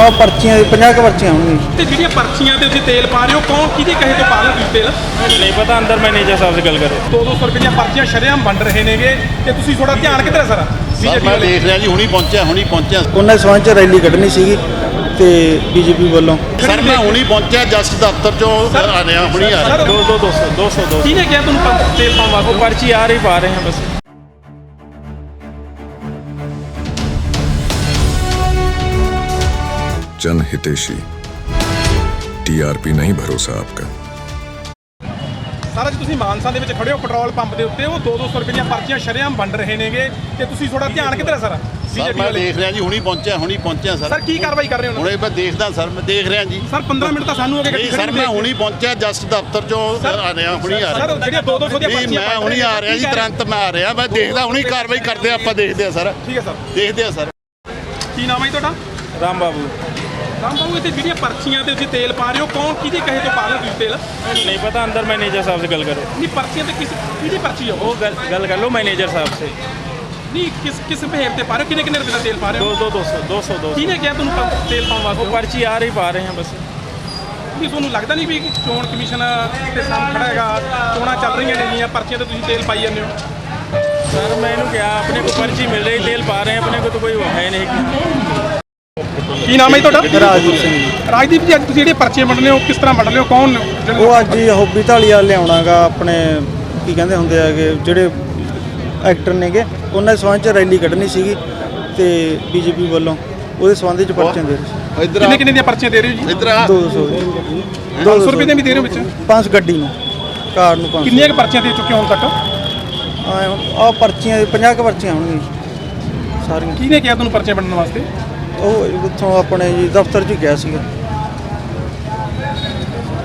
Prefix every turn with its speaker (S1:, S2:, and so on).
S1: ਆਹ ਪਰਚੀਆਂ 50 ਕੁ ਪਰਚੀਆਂ ਹੋਣਗੀਆਂ।
S2: ਤੇ ਜਿਹੜੀਆਂ ਪਰਚੀਆਂ ਤੇ ਤੁਸੀਂ ਤੇਲ ਪਾ ਰਹੇ ਹੋ ਕੌਣ ਕਿਹਦੇ ਕਹੇ ਤੋਂ ਪਾ ਰਹੇ ਹੋ ਤੁਸੀਂ ਤੇਲ?
S3: नहीं पता, अंदर मैनेजर साहब से गल करो।
S2: 200 ਰੁਪਏ ਦੀਆਂ ਪਰਚੀਆਂ ਸ਼ਰੇਆਮ ਵੰਡ ਰਹੇ ਨੇਗੇ ਤੇ ਤੁਸੀਂ ਥੋੜਾ ਧਿਆਨ ਕਿੱਧਰ ਹੈ ਸਾਰਾ?
S4: ਸਰ ਮੈਂ ਦੇਖ ਰਿਹਾ ਜੀ, ਹੁਣੀ ਪਹੁੰਚਿਆ
S1: ਉਹਨਾਂ ਸਬੰਧ 'ਚ ਰੈਲੀ ਕੱਢਣੀ ਸੀਗੀ ਤੇ ਬੀਜੇਪੀ ਵੱਲੋਂ।
S4: ਸਰ ਮੈਂ ਹੁਣੀ ਪਹੁੰਚਿਆ ਜਸਟ ਦਫ਼ਤਰ ਚੋਂ ਆ ਰਿਹਾ, ਹੁਣੀ ਆ ਰਿਹਾ।
S3: 200
S2: ਕਿਹਨੇ ਕਿਹਾ ਤੁਹਾਨੂੰ ਤੇਲ ਪਾਉਣ ਵਾਸਤੇ?
S3: वो पर्ची आ रही पा रहे हैं बस।
S5: जन हितेशी, टीआरपी नहीं भरोसा आपका।
S2: ਸਾਰਾ ਜੀ ਤੁਸੀਂ ਮਾਨਸਾ ਦੇ ਵਿੱਚ ਖੜੇ ਹੋ ਪੈਟਰੋਲ ਪੰਪ ਦੇ ਉੱਤੇ, ਉਹ 200 ਰੁਪਏ ਦੀਆਂ ਪਰਚੀਆਂ ਸ਼ਰੇਆਮ ਵੰਡ ਰਹੇ ਨੇਗੇ ਤੇ ਤੁਸੀਂ ਥੋੜਾ ਧਿਆਨ ਕਿੱਧਰ ਹੈ ਸਾਰਾ?
S4: ਸਰ ਮੈਂ ਦੇਖ ਰਿਹਾ ਜੀ, ਹੁਣੀ ਪਹੁੰਚਿਆ
S2: ਸਰ ਕੀ ਕਾਰਵਾਈ ਕਰ ਰਹੇ ਹੋ?
S4: ਹੁਣੇ ਮੈਂ ਦੇਖਦਾ ਸਰ, ਮੈਂ ਦੇਖ ਰਿਹਾ ਜੀ।
S2: ਸਰ 15 ਮਿੰਟ ਤਾਂ ਸਾਨੂੰ ਹੋ ਗਏ
S4: ਨਹੀਂ ਸਰ ਮੈਂ ਹੁਣੀ ਪਹੁੰਚਿਆ ਜਸਟ ਦਫ਼ਤਰ ਚੋਂ ਆ ਰਿਹਾ, ਹੁਣੀ ਆ ਰਿਹਾ।
S2: ਸਰ ਜਿਹੜੀਆਂ 200 ਦੀਆਂ
S4: ਨਹੀਂ
S2: ਪਰਚੀਆਂ
S4: ਮੈਂ ਹੁਣੀ ਆ ਰਿਹਾ ਜੀ, ਤੁਰੰਤ ਮੈਂ ਆ ਰਿਹਾ, ਮੈਂ ਦੇਖਦਾ ਹੁਣੀ ਕਾਰਵਾਈ ਕਰਦੇ ਆਪਾਂ, ਦੇਖਦੇ ਆ ਸਰ।
S2: ਠੀਕ ਹੈ ਸਰ,
S4: ਦੇਖਦੇ ਆ ਸਰ।
S2: ਕੀ ਨਾਮ ਹੈ ਜੀ ਤੁਹਾਡਾ?
S3: राम बाबू।
S2: ਰਾਮ ਬਾਬੂ, ਇੱਥੇ ਜਿਹੜੀਆਂ ਪਰਚੀਆਂ ਤੇ ਤੁਸੀਂ ਤੇਲ ਪਾ ਰਹੇ ਹੋ ਕੌਣ ਕਿਹਦੇ ਕਹੇ ਤੋਂ ਪਾ ਰਹੇ ਹੋ ਤੁਸੀਂ ਤੇਲ?
S3: नहीं पता, अंदर मैनेजर साहब से गल करो।
S2: ਨਹੀਂ ਪਰਚੀਆਂ ਤੇ ਕਿਹਦੀ ਪਰਚੀ ਹੈ
S3: वो
S2: ਉਹ?
S3: गल कर लो मैनेजर साहब से।
S2: ਨਹੀਂ ਕਿਸ ਬਿਹੇਵ ਤੇ ਪਾ ਰਹੇ ਹੋ? ਕਿੰਨੇ ਰੁਪਏ ਦਾ ਤੇਲ ਪਾ ਰਹੇ ਹੋ?
S3: 200
S2: ਕਿਹਨੇ ਕਿਹਾ ਤੁਹਾਨੂੰ ਤੇਲ ਪਾਉਣ
S3: वो
S2: ਵਾਸਤੇ?
S3: पर्ची आ रही पा रहे हैं बस।
S2: ਵੀ ਤੁਹਾਨੂੰ ਲੱਗਦਾ ਨਹੀਂ ਵੀ ਚੋਣ ਕਮਿਸ਼ਨ ਤੇ ਸਾਹਮਣੇ ਖੜਾ ਹੈਗਾ, ਚੋਣਾਂ ਚੱਲ ਰਹੀਆਂ ਨੇਗੀਆਂ, ਪਰਚੀਆਂ ਤੇ ਤੁਸੀਂ ਤੇਲ ਪਾਈ ਜਾਂਦੇ ਹੋ?
S3: सर मैंने क्या, अपने को पर्ची मिल रही, तेल पा रहे हैं, अपने को तो कोई है नहीं।
S2: ਕੀ ਨਾਮ ਹੈ ਜੀ ਤੁਹਾਡਾ?
S1: ਰਾਜਦੀਪ ਸਿੰਘ ਜੀ।
S2: ਰਾਜਦੀਪ ਜੀ, ਅੱਜ ਤੁਸੀਂ ਜਿਹੜੀਆਂ ਪਰਚੀਆਂ ਵੰਡਦੇ ਹੋ ਕਿਸ ਤਰ੍ਹਾਂ ਵੰਡ ਰਹੇ ਹੋ? ਕੌਣ ਨੇ ਜਿਹੜੇ?
S1: ਉਹ ਅੱਜ ਹੀ ਹੋਬੀ ਢਾਲੀਆ ਲਿਆਉਣਾਗਾ ਆਪਣੇ ਕੀ ਕਹਿੰਦੇ ਹੁੰਦੇ ਹੈਗੇ ਜਿਹੜੇ ਐਕਟਰ ਨੇਗੇ, ਉਹਨਾਂ ਦੇ ਸਬੰਧ 'ਚ ਰੈਲੀ ਕੱਢਣੀ ਸੀਗੀ ਤੇ ਬੀਜੇਪੀ ਵੱਲੋਂ ਉਹਦੇ ਸਬੰਧ 'ਚ ਪਰਚੀਆਂ ਦੇ ਰਹੇ
S4: ਇੱਧਰ
S2: ਕਿੰਨੇ ਦੀਆਂ ਪਰਚੀਆਂ ਦੇ ਰਹੇ ਹੋ ਜੀ?
S4: ਇੱਧਰ ਆ।
S1: 200
S2: 200 ਰੁਪਏ ਦੀਆਂ ਵੀ ਦੇ ਰਹੇ ਹੋ ਵਿੱਚ?
S1: 5 ਗੱਡੀ ਨੂੰ, ਕਾਰ ਨੂੰ 500।
S2: ਕਿੰਨੀਆਂ ਕੁ ਪਰਚੀਆਂ ਦੇ ਚੁੱਕੇ ਹੋ ਹੁਣ ਤੱਕ?
S1: ਆਹ ਪਰਚੀਆਂ 50 ਕੁ ਪਰਚੀਆਂ ਹੋਣਗੀਆਂ ਸਾਰੀਆਂ।
S2: ਕਿਹਨੇ ਕਿਹਾ ਤੁਹਾਨੂੰ ਪਰਚੀਆਂ ਵੰਡਣ ਵਾਸਤੇ?
S1: ਉਹ ਉੱਥੋਂ ਆਪਣੇ ਜੀ ਦਫ਼ਤਰ 'ਚ ਗਿਆ ਸੀਗਾ।